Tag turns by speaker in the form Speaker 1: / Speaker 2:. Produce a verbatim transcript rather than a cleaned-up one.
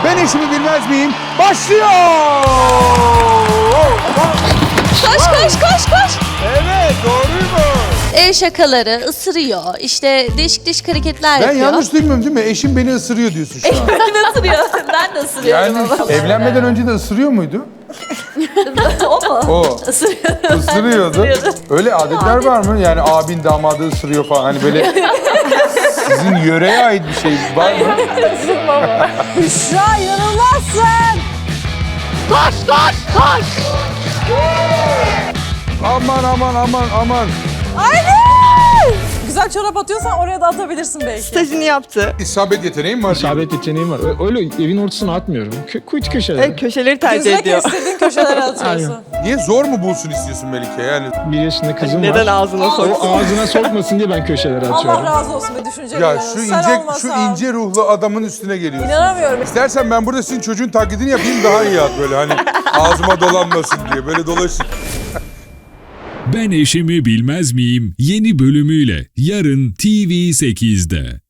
Speaker 1: Ben eşimi bilmez miyim? Başlıyor!
Speaker 2: Koş koş koş koş.
Speaker 1: Evet, doğruymuş.
Speaker 2: El şakaları, ısırıyor. İşte değişik değişik hareketler
Speaker 1: Ben
Speaker 2: yapıyor.
Speaker 1: yanlış duymuyorum değil mi? Eşim beni ısırıyor diyorsun şu an.
Speaker 2: Ben ısırıyor. Ben de ısırıyorum
Speaker 1: Yani
Speaker 2: ama.
Speaker 1: evlenmeden önce de ısırıyor muydu?
Speaker 2: O mu?
Speaker 1: O.
Speaker 2: Isırıyor.
Speaker 1: Isırıyordu.
Speaker 2: Isırıyordu.
Speaker 1: Öyle adetler var mı? Yani abin damadı ısırıyor falan. Hani böyle sizin yöreye ait bir şey var mı?
Speaker 3: Büşra inanılmazsın.
Speaker 2: Koş koş koş.
Speaker 1: Aman aman aman aman.
Speaker 3: Aynen. Güzel çorap atıyorsan oraya da atabilirsin belki.
Speaker 4: Stajını yaptı.
Speaker 1: İsabet yeteneğim var.
Speaker 5: İsabet yeteneğim var. Ö- Öyle evin ortasına atmıyorum. Kö kuytu köşelere.
Speaker 4: Evet, köşeleri tercih
Speaker 3: Güzel
Speaker 4: ediyor.
Speaker 3: kestirdiğin köşelere atıyorsun.
Speaker 1: Niye zor mu bulsun istiyorsun Melike? Yani
Speaker 5: Bir yaşında kızım
Speaker 4: Neden
Speaker 5: var.
Speaker 4: ağzına soksun?
Speaker 5: O ağzına sokmasın diye ben köşelere
Speaker 3: Allah
Speaker 5: atıyorum.
Speaker 3: razı olsun be düşünceli.
Speaker 1: ya
Speaker 3: ya.
Speaker 1: şu
Speaker 3: Sen
Speaker 1: ince şu
Speaker 3: olmasan.
Speaker 1: ince ruhlu adamın üstüne geliyorsun.
Speaker 3: İnanamıyorum.
Speaker 1: İstersen ben burada sizin çocuğun taklidini yapayım daha iyi at böyle hani ağzıma dolanmasın diye böyle dolaşın.
Speaker 6: Ben eşimi bilmez miyim? Yeni bölümüyle yarın T V sekizde.